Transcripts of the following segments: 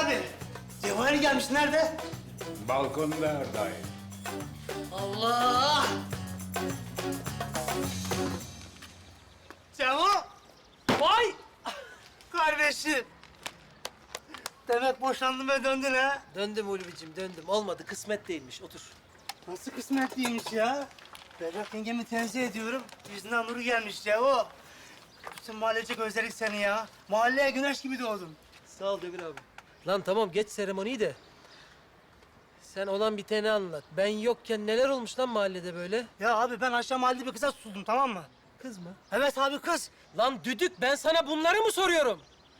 abi. Cevahir gelmiş, nerede? Balkonda dayı. Allah! Cevo! Vay! Kardeşim! Demek boşandın ve döndün ha? Döndüm Ulvi'cim döndüm. Olmadı kısmet değilmiş. Otur. Nasıl kısmetliymiş ya? Berrak yengemi tenzih ediyorum. Yüzünden nuru gelmiş Cevo. Bütün mahallecek özledik seni ya. Mahalleye güneş gibi doğdun. Sağ ol Demir abi. Lan tamam geç seremoniyi de. Sen olan biteni anlat. Ben yokken neler olmuş lan mahallede böyle? Ya abi ben aşağı mahallede bir kıza tutuldum, tamam mı? Kız mı? Evet abi, kız. Lan düdük ben sana bunları mı soruyorum?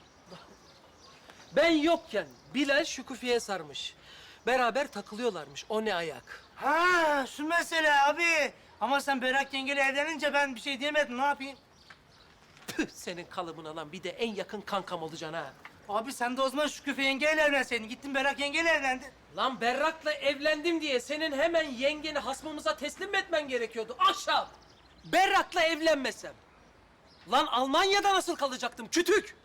Ben yokken Bilal Şükufi'ye sarmış. Beraber takılıyorlarmış. O ne ayak? Ha, şu mesele abi. Ama sen Berrak yengeyle evlenince ben bir şey diyemedim, ne yapayım? Püh senin kalıbına lan. Bir de en yakın kankam olacaksın ha. Abi sen de o zaman Şükrü yengeyle evlenseydin. Gittin Berrak yengeyle evlendin. Lan Berrak'la evlendim diye senin hemen yengeni hasmımıza teslim mi etmen gerekiyordu? Aşağı! Berrak'la evlenmesem. Lan Almanya'da nasıl kalacaktım kütük?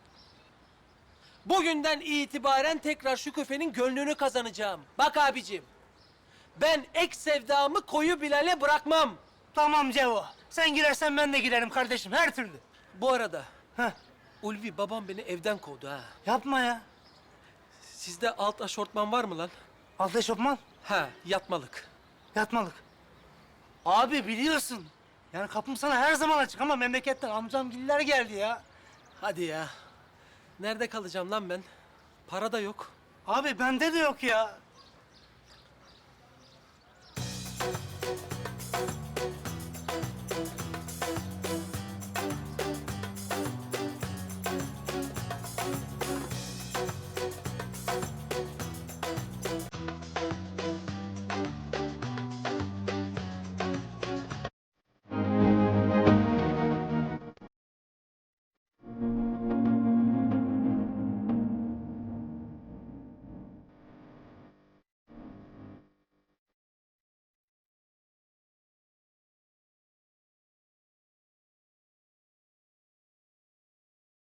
Bugünden itibaren tekrar şu küfenin gönlünü kazanacağım. Bak abicim. Ben ek sevdamı koyu Bilal'e bırakmam. Tamam Cevo. Sen girersen ben de girerim kardeşim, her türlü. Bu arada Heh, Ulvi babam beni evden kovdu ha. yapma ya. Sizde alt aşortman var mı lan? Alt eşofman, Ha yatmalık. yatmalık. Abi biliyorsun. Yani kapım sana her zaman açık ama memleketten amcamgiller geldi ya. Hadi ya. Nerede kalacağım lan ben? Para da yok. Abi bende de yok ya.